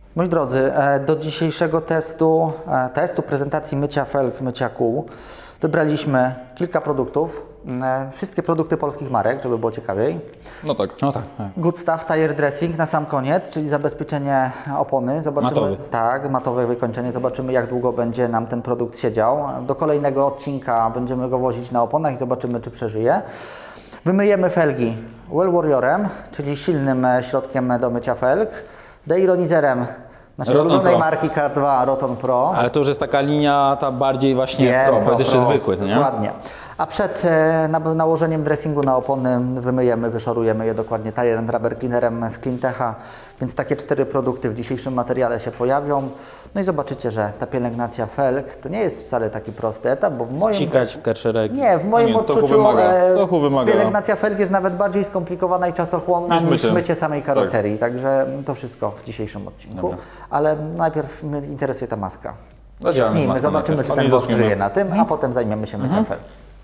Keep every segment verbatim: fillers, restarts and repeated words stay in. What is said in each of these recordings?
Moi drodzy, do dzisiejszego testu, testu prezentacji mycia felg, mycia kół, wybraliśmy kilka produktów. Wszystkie produkty polskich marek, żeby było ciekawiej. No tak. No tak. tak. Good Stuff Tire Dressing na sam koniec, czyli zabezpieczenie opony. Zobaczymy, Matowy. Tak, matowe wykończenie. Zobaczymy, jak długo będzie nam ten produkt siedział. Do kolejnego odcinka będziemy go wozić na oponach i zobaczymy, czy przeżyje. Wymyjemy felgi Well Warriorem, czyli silnym środkiem do mycia felg, deironizerem naszej Roton ulubionej Pro. marki K dwa Roton Pro. Ale to już jest taka linia, ta bardziej właśnie Nie, pro, pro, jest jeszcze pro. zwykły, to nie? Dokładnie. A przed e, na, nałożeniem dressingu na opony wymyjemy, wyszorujemy je dokładnie Tire and Rubber Cleanerem z Cleantecha. Więc takie cztery produkty w dzisiejszym materiale się pojawią. No i zobaczycie, że ta pielęgnacja felg to nie jest wcale taki prosty etap, bo w moim... Psikać kerszerek. Nie, w moim Nie, trochę odczuciu wymaga, e, trochę wymaga. pielęgnacja felg jest nawet bardziej skomplikowana i czasochłonna Niż niż mycie. mycie samej karoserii. Także to wszystko w dzisiejszym odcinku. Dobra. Ale najpierw mnie interesuje ta maska. Zadziałamy z Zacznijmy, maską zobaczymy, najpierw. czy A ten nie wosk zaczniemy. żyje na tym, a potem zajmiemy się myciem felg.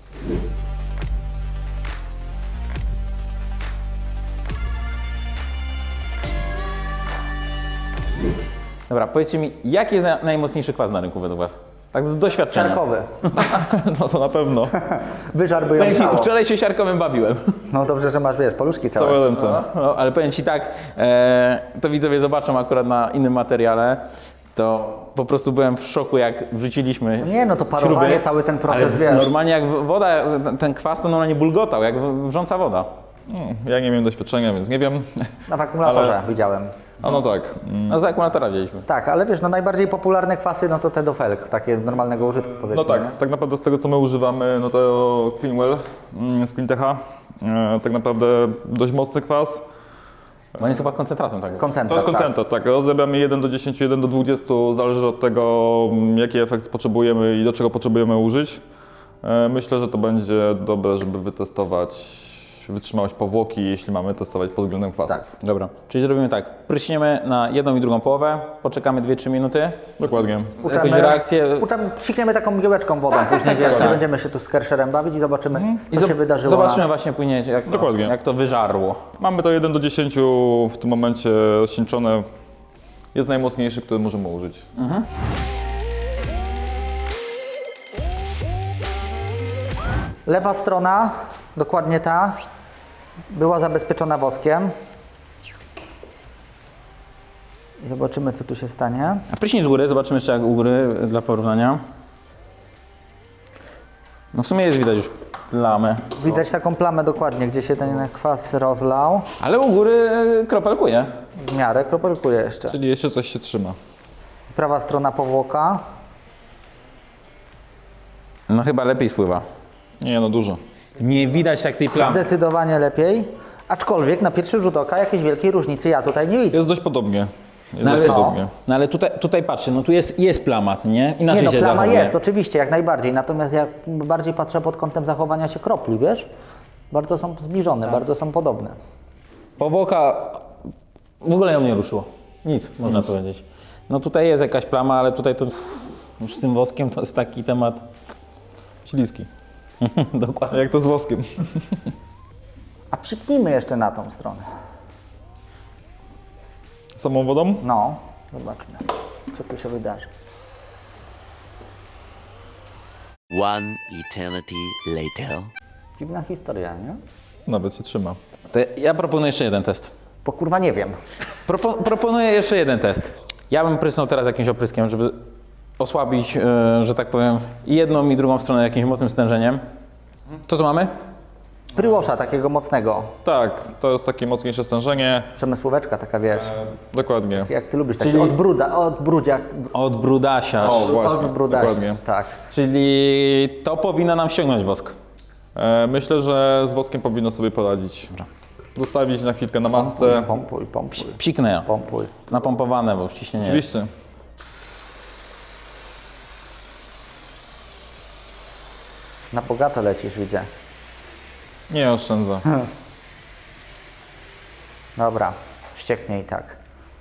Dobra, powiedzcie mi, jaki jest na, najmocniejszy kwas na rynku według Was? Tak z doświadczenia. Siarkowy. No to na pewno. Wyżar by ją Powiem Ci, ciało. wczoraj się siarkowym bawiłem. No dobrze, że masz, wiesz, paluszki całe. Całe ręce. No, ale powiem Ci tak, e, to widzowie zobaczą akurat na innym materiale, to po prostu byłem w szoku, jak wrzuciliśmy Nie, no to parowanie, śruby, cały ten proces, ale wiesz. normalnie jak woda, ten- ten kwas to normalnie bulgotał, jak wrząca woda. Mm, Ja nie miałem doświadczenia, więc nie wiem. Na w akumulatorze Ale- widziałem. A no tak. Mm, No z akumulatora wzięliśmy. Tak, ale wiesz, no najbardziej popularne kwasy, no to te do felg, takie normalnego użytku, powiedzmy. No tak, nie? tak naprawdę z tego co my używamy, no to Cleanwell mm, z Cleantecha. E, Tak naprawdę dość mocny kwas. Bo on jest chyba koncentratem, tak? To Koncentrat, jest koncentrat, tak. Rozrabiamy jeden do dziesięciu, jeden do dwudziestu, zależy od tego, mm, jaki efekt potrzebujemy i do czego potrzebujemy użyć. E, Myślę, że to będzie dobre, żeby wytestować wytrzymałość powłoki, jeśli mamy testować pod względem kwasów. Tak. Dobra, czyli zrobimy tak, pryśniemy na jedną i drugą połowę, poczekamy dwie trzy minuty, Dokładnie. jakąś reakcję Uczamy, psikniemy taką mgiełeczką wodą, później wiesz, tak. nie będziemy się tu z kersherem bawić i zobaczymy, co zob- się wydarzyło. Zobaczymy na... właśnie później, jak to, Dokładnie. jak to wyżarło. Mamy to jeden do dziesięciu w tym momencie rozcieńczone. Jest najmocniejszy, który możemy użyć. Lewa strona, dokładnie ta, była zabezpieczona woskiem. I zobaczymy, co tu się stanie. A pryśnij z góry, zobaczymy jeszcze jak u góry dla porównania. No w sumie jest widać już plamę, Widać taką plamę dokładnie, gdzie się ten kwas rozlał. ale u góry e, kropelkuje. W miarę kropelkuje jeszcze. Czyli jeszcze coś się trzyma. Prawa strona powłoka. No chyba lepiej spływa. Nie no, dużo. Nie widać tak tej plamy. Zdecydowanie lepiej. Aczkolwiek na pierwszy rzut oka jakiejś wielkiej różnicy ja tutaj nie widzę. Jest dość podobnie. Jest No ale, dość no. podobnie. no ale tutaj, tutaj patrzcie, no tu jest, jest plama, co nie? Inaczej Nie no, się plama zachowuje. jest, oczywiście, jak najbardziej. Natomiast ja bardziej patrzę pod kątem zachowania się kropli, wiesz? Bardzo są zbliżone, Tak. bardzo są podobne. Powłoka w ogóle ją nie ruszyło. Nic, można powiedzieć. No tutaj jest jakaś plama, ale tutaj to już z tym woskiem to jest taki temat. Śliski. Dokładnie. Jak to z woskiem. A przyknijmy jeszcze na tą stronę. Samą wodą? No, zobaczmy, co tu się wydarzy. One eternity later. Dziwna historia, nie? Nawet się trzyma. To ja proponuję jeszcze jeden test. Bo kurwa nie wiem. Propo, proponuję jeszcze jeden test. Ja bym prysnął teraz jakimś opryskiem, żeby osłabić, e, że tak powiem, i jedną i drugą stronę jakimś mocnym stężeniem. Co tu mamy? Pryłosza takiego mocnego. Tak, to jest takie mocniejsze stężenie. Przemysłóweczka taka, wiesz, Dokładnie. jak ty lubisz, taki Czyli- od bruda, od brudzia, Od brudasia. O, właśnie, od brudasia, dokładnie. tak. Czyli to powinno nam ściągnąć wosk. E, myślę, że z woskiem powinno sobie poradzić. Zostawić na chwilkę na masce. Pompuj, pompuj, Psiknę ja. pompuj. Napompowane, bo już ciśnienie jest. Oczywiście. Na bogato lecisz, widzę. Nie oszczędza. Dobra, ścieknie i tak.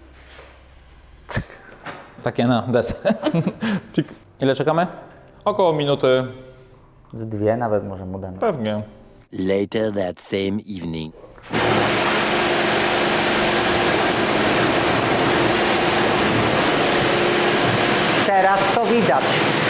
Takie na deser. Pik. Ile czekamy? Około minuty. Z dwie nawet może mu damy. Pewnie. Later that same evening. teraz to widać.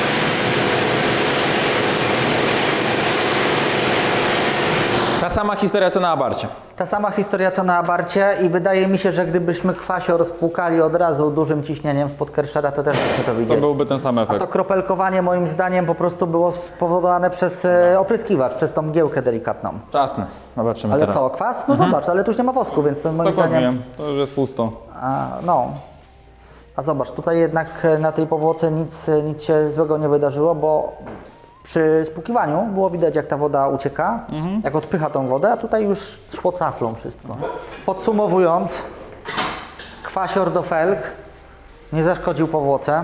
Ta sama historia co na abarcie. Ta sama historia co na abarcie i wydaje mi się, że gdybyśmy kwasior spłukali od razu dużym ciśnieniem w podkerszera, to też byśmy to To widzieli. byłby ten sam A efekt. to kropelkowanie moim zdaniem po prostu było spowodowane przez e, opryskiwacz, przez tą mgiełkę delikatną. Czasne. Zobaczymy Ale teraz. co, kwas? No zobacz, ale tu już nie ma wosku, więc to moim Dokładnie, zdaniem... to już jest pusto. A, no. A zobacz, tutaj jednak e, na tej powłoce nic, e, nic się złego nie wydarzyło, bo przy spłukiwaniu było widać, jak ta woda ucieka, jak odpycha tą wodę, a tutaj już szło taflą wszystko. Podsumowując, kwasior do felg nie zaszkodził powłoce.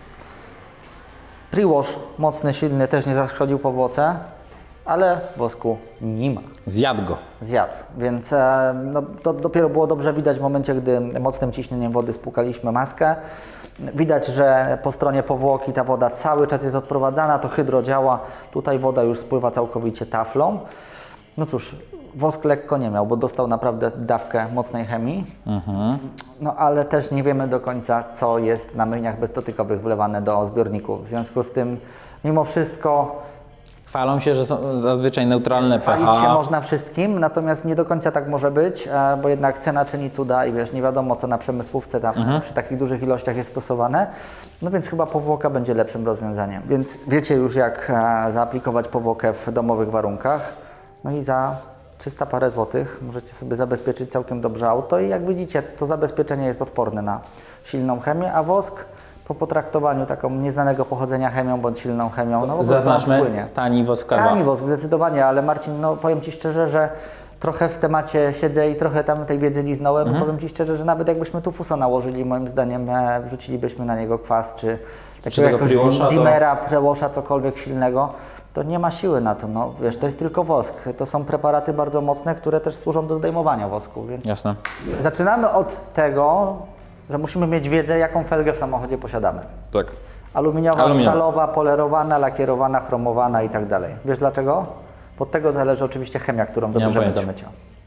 Pre-wash mocny, silny też nie zaszkodził powłoce, ale wosku nie ma. Zjadł go. Zjadł, więc e, no, to dopiero było dobrze widać w momencie, gdy mocnym ciśnieniem wody spłukaliśmy maskę. Widać, że po stronie powłoki ta woda cały czas jest odprowadzana, to hydro działa, tutaj woda już spływa całkowicie taflą. No cóż, wosk lekko nie miał, bo dostał naprawdę dawkę mocnej chemii. No ale też nie wiemy do końca, co jest na myjniach bezdotykowych wlewane do zbiorników. W związku z tym, mimo wszystko, Chwalą się, że są zazwyczaj neutralne chwalić się pH. można wszystkim, natomiast nie do końca tak może być, e, bo jednak cena czyni cuda i wiesz, nie wiadomo, co na przemysłówce tam przy takich dużych ilościach jest stosowane. No więc chyba powłoka będzie lepszym rozwiązaniem. Więc wiecie już, jak e, zaaplikować powłokę w domowych warunkach. No i za trzysta parę złotych możecie sobie zabezpieczyć całkiem dobrze auto i jak widzicie, to zabezpieczenie jest odporne na silną chemię, a wosk po potraktowaniu taką nieznanego pochodzenia chemią bądź silną chemią, no po prostu Zaznaczmy, płynie. tani wosk K dwa. Tani wosk, zdecydowanie, ale Marcin, no powiem Ci szczerze, że trochę w temacie siedzę i trochę tam tej wiedzy liznąłem. Mhm. Powiem Ci szczerze, że nawet jakbyśmy tu fuso nałożyli, moim zdaniem e, wrzucilibyśmy na niego kwas, czy Czy takiego tego jakiegoś pre-washa, to- dimera, prewasha, cokolwiek silnego, to nie ma siły na to. No wiesz, to jest tylko wosk. To są preparaty bardzo mocne, które też służą do zdejmowania wosku. Więc Jasne. zaczynamy od tego, że musimy mieć wiedzę, jaką felgę w samochodzie posiadamy. Tak. Aluminiowa, Aluminiowa. stalowa, polerowana, lakierowana, chromowana i tak dalej. Wiesz dlaczego? Od tego zależy oczywiście chemia, którą mam dobierzemy do pojęcia. mycia.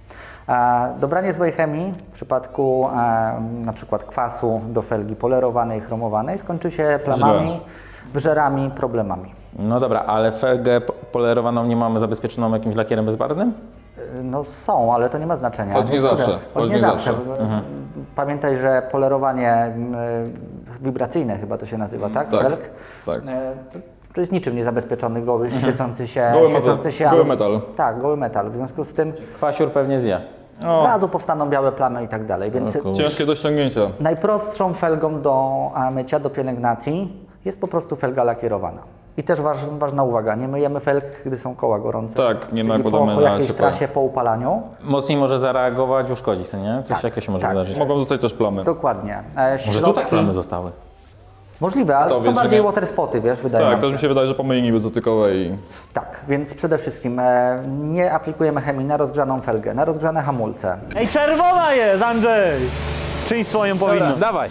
E, dobranie złej chemii w przypadku e, na przykład kwasu do felgi polerowanej, chromowanej skończy się plamami, Źle. wyżerami, problemami. No dobra, ale felgę po- polerowaną nie mamy zabezpieczoną jakimś lakierem bezbarwnym? E, No są, ale to nie ma znaczenia. Choć nie Niektóre- zawsze, Choć choć nie nie zawsze. zawsze. Mhm. Pamiętaj, że polerowanie mm, wibracyjne chyba to się nazywa, tak? Tak, Felg? tak. E, To, to jest niczym niezabezpieczony, goły, świecący się, Goły świecący metal. się Goły alu- metal. Tak, goły metal. W związku z tym Kwasiur pewnie zje. od No, razu powstaną białe plamy i tak dalej. Więc O kurczę. ciężkie do ściągnięcia. najprostszą felgą do a, mycia, do pielęgnacji jest po prostu felga lakierowana. I też waż, ważna uwaga, nie myjemy felg, gdy są koła gorące. Tak, nie Czyli nakładamy po, po na jakiejś ciepłe. trasie, po upalaniu. Mocniej może zareagować, uszkodzić, to nie? Coś Tak, jakie się może tak. wydarzyć. Mogą zostać też plamy. Dokładnie. E, Może środki- tutaj plamy zostały. Możliwe, ale To to są wiesz, że bardziej nie- water spoty, wiesz, wydaje Tak, nam też się. mi się wydaje, że po myjni bezdotykowej Tak, więc przede wszystkim e, nie aplikujemy chemii na rozgrzaną felgę, na rozgrzane hamulce. Ej, czerwona jest, Andrzej! Czyń swoją powinno. Dobra, dawaj.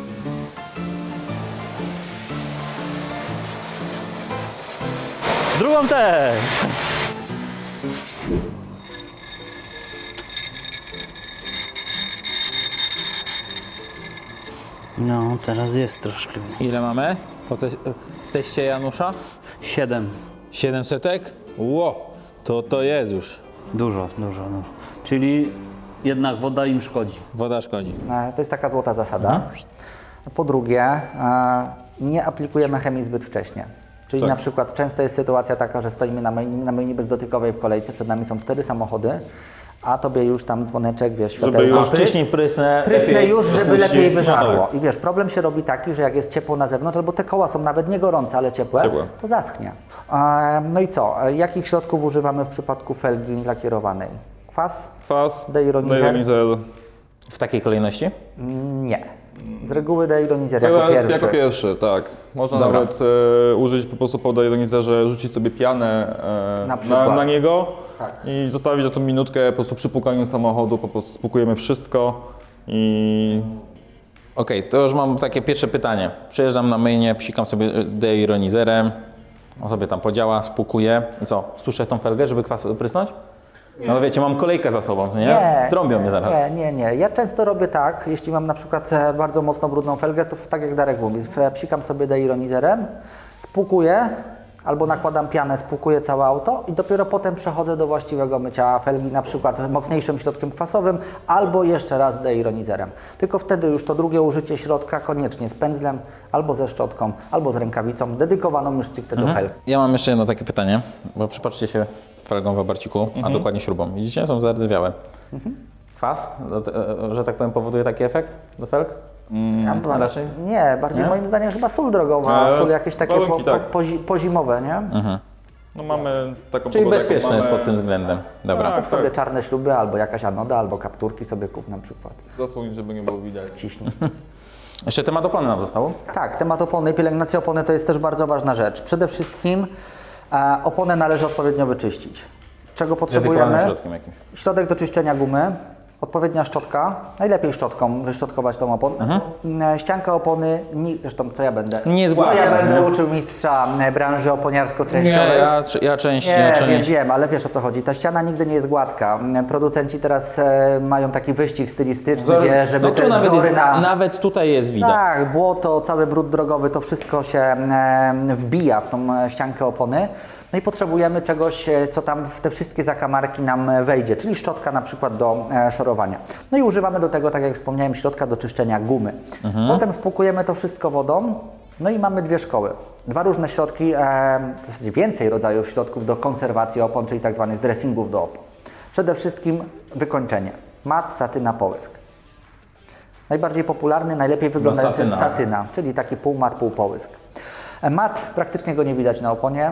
Drugą też. No, teraz jest troszkę. Ile mamy po te teście Janusza? Siedem. siedemsetek? Ło, to to jest już. Dużo, dużo, dużo. Czyli jednak woda im szkodzi. Woda szkodzi. E, To jest taka złota zasada. Po drugie, e, nie aplikujemy chemii zbyt wcześnie. Czyli Tak. na przykład często jest sytuacja taka, że stoimy na myjni, na myjni bezdotykowej w kolejce, przed nami są cztery samochody, a tobie już tam dzwoneczek, wiesz, światełko. już pyk, Wcześniej prysnę. Prysnę lepiej już, żeby rozpuści. lepiej No wyżarło. tak. I wiesz, problem się robi taki, że jak jest ciepło na zewnątrz, albo te koła są nawet nie gorące, ale ciepłe, Ciepłe. to zaschnie. E, No i co? E, Jakich środków używamy w przypadku felgi lakierowanej? Kwas? kwas, Deironizer? deironizer. W takiej kolejności? Nie. Z reguły deironizer jako Jako pierwszy. Jako pierwszy, tak. Można Dobra. nawet e, użyć po prostu po deironizerze, rzucić sobie pianę e, Na na, przykład. na, niego Tak. i zostawić na tą minutkę, po prostu przy pukaniu samochodu, po prostu spłukujemy wszystko i Okej, to już mam takie pierwsze pytanie. Przyjeżdżam na myjnię, psikam sobie deironizerem, on sobie tam podziała, spłukuję i co, suszę tą felgę, żeby kwas prysnąć? No wiecie, mam kolejkę za sobą, nie? Nie, Strąbią mnie zaraz. Nie, nie, nie. Ja często robię tak, jeśli mam na przykład e, bardzo mocno brudną felgę, to tak jak Darek mówi, e, psikam sobie deironizerem, spłukuję, albo nakładam pianę, spłukuję całe auto i dopiero potem przechodzę do właściwego mycia felgi, na przykład mocniejszym środkiem kwasowym, albo jeszcze raz deironizerem. Tylko wtedy już to drugie użycie środka koniecznie z pędzlem, albo ze szczotką, albo z rękawicą, dedykowaną już stricte do felg. Ja mam jeszcze jedno takie pytanie, bo przypatrzcie się felgą w abarciku, a dokładnie śrubą. Widzicie, są zardzewiałe. Kwas, do te- e, że tak powiem, powoduje taki efekt do felg? Ja bym- raczej? Nie, bardziej Nie? moim zdaniem chyba sól drogowa, E, sól jakieś takie po, warunki, po, tak. pozi, pozimowe, nie? No mamy taką Czyli pogodę, jaką bezpieczne jest mamy. pod tym względem. Dobra. Tak. Kup sobie czarne śruby, albo jakaś anoda, albo kapturki sobie kup na przykład. Zasłoń, żeby nie było widać. Ciśnij. Jeszcze temat opony nam został. Tak, temat opony i pielęgnacja opony to jest też bardzo ważna rzecz. Przede wszystkim e, oponę należy odpowiednio wyczyścić. Czego potrzebujemy? Dedykowanym środkiem jakimś. Środek do czyszczenia gumy, odpowiednia szczotka, najlepiej szczotką wyszczotkować tą oponę. Mhm. Ścianka opony, nie, zresztą co ja będę? Nie jest Co ja gładka, będę nie? uczył mistrza e, branży Nie, oponiarsko-częściowej. ja, ja częściej, Nie, częściej. wiem, wiem, ale wiesz o co chodzi. Ta ściana nigdy nie jest gładka. Producenci teraz e, mają taki wyścig stylistyczny, Wzory- wie, żeby no tu te nawet, wzory jest, na... nawet tutaj jest widać. Tak, błoto, cały brud drogowy, to wszystko się e, wbija w tą e, ściankę opony. No i potrzebujemy czegoś, e, co tam w te wszystkie zakamarki nam e, wejdzie, czyli szczotka na przykład do e, szorowania. No i używamy do tego, tak jak wspomniałem, środka do czyszczenia gumy. Potem spłukujemy to wszystko wodą, no i mamy dwie szkoły. Dwa różne środki, e, w zasadzie więcej rodzajów środków do konserwacji opon, czyli tak zwanych dressingów do opon. Przede wszystkim wykończenie. Mat, satyna, połysk. Najbardziej popularny, najlepiej wyglądający satyna. satyna, czyli taki półmat, półpołysk. Mat, praktycznie go nie widać na oponie,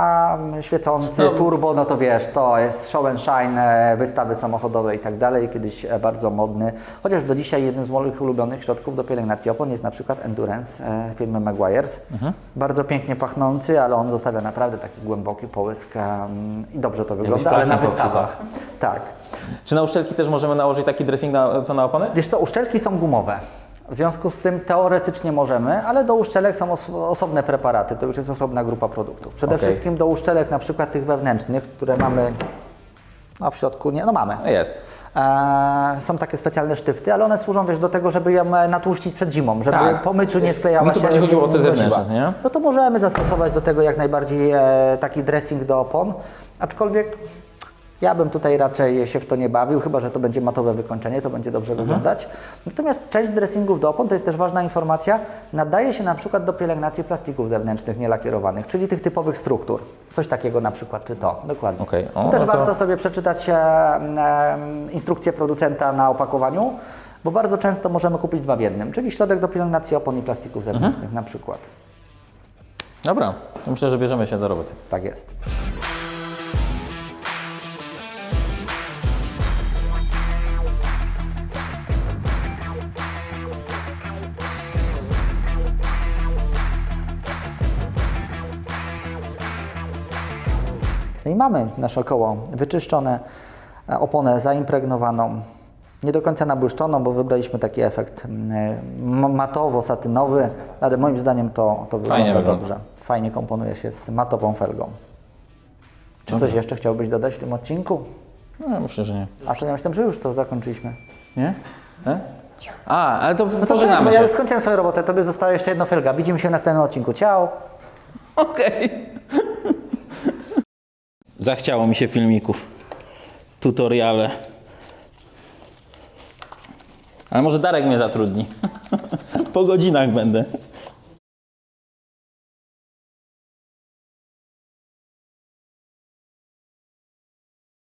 a świecący turbo, no to wiesz, to jest show and shine, e, wystawy samochodowe i tak dalej, kiedyś e, bardzo modny. Chociaż do dzisiaj jednym z moich ulubionych środków do pielęgnacji opon jest na przykład Endurance e, firmy Meguiar's. Bardzo pięknie pachnący, ale on zostawia naprawdę taki głęboki połysk e, i dobrze to wygląda, ale na pralkę wystawach. Tak. Czy na uszczelki też możemy nałożyć taki dressing na, co na opony? Wiesz co, uszczelki są gumowe. W związku z tym teoretycznie możemy, ale do uszczelek są os osobne preparaty, to już jest osobna grupa produktów. Przede Okej. wszystkim do uszczelek na przykład tych wewnętrznych, które mamy no w środku, nie, no mamy. Jest. E, są takie specjalne sztyfty, ale one służą wiesz, do tego, żeby ją e, natłuścić przed zimą, żeby Tak. po myciu nie sklejała Mi tu się. bardziej chodziło o te nie mroziła. zewnętrzne, nie? No to możemy zastosować do tego jak najbardziej e, taki dressing do opon, aczkolwiek ja bym tutaj raczej się w to nie bawił, chyba że to będzie matowe wykończenie, to będzie dobrze wyglądać. Natomiast część dressingów do opon, to jest też ważna informacja, nadaje się na przykład do pielęgnacji plastików zewnętrznych nielakierowanych, czyli tych typowych struktur. Coś takiego na przykład, czy to, dokładnie. Okej. O, To też no to- warto sobie przeczytać e, e, instrukcję producenta na opakowaniu, bo bardzo często możemy kupić dwa w jednym, czyli środek do pielęgnacji opon i plastików zewnętrznych na przykład. Dobra, to myślę, że bierzemy się do roboty. Tak jest. No i mamy nasze koło wyczyszczone, e, oponę zaimpregnowaną, nie do końca nabłyszczoną, bo wybraliśmy taki efekt mm, matowo-satynowy, ale moim zdaniem to, to wygląda wygląda. dobrze. Fajnie komponuje się z matową felgą. Czy coś jeszcze chciałbyś dodać w tym odcinku? No, ja myślę, że nie. A to ja myślałem, że już to zakończyliśmy. Nie? E? A, ale to No to cześć, pożegnamy bo się. ja już skończyłem swoją robotę, tobie została jeszcze jedna felga. Widzimy się w następnym odcinku. Ciao! Okej. Zachciało mi się filmików. Tutoriale. Ale może Darek mnie zatrudni. Po godzinach będę.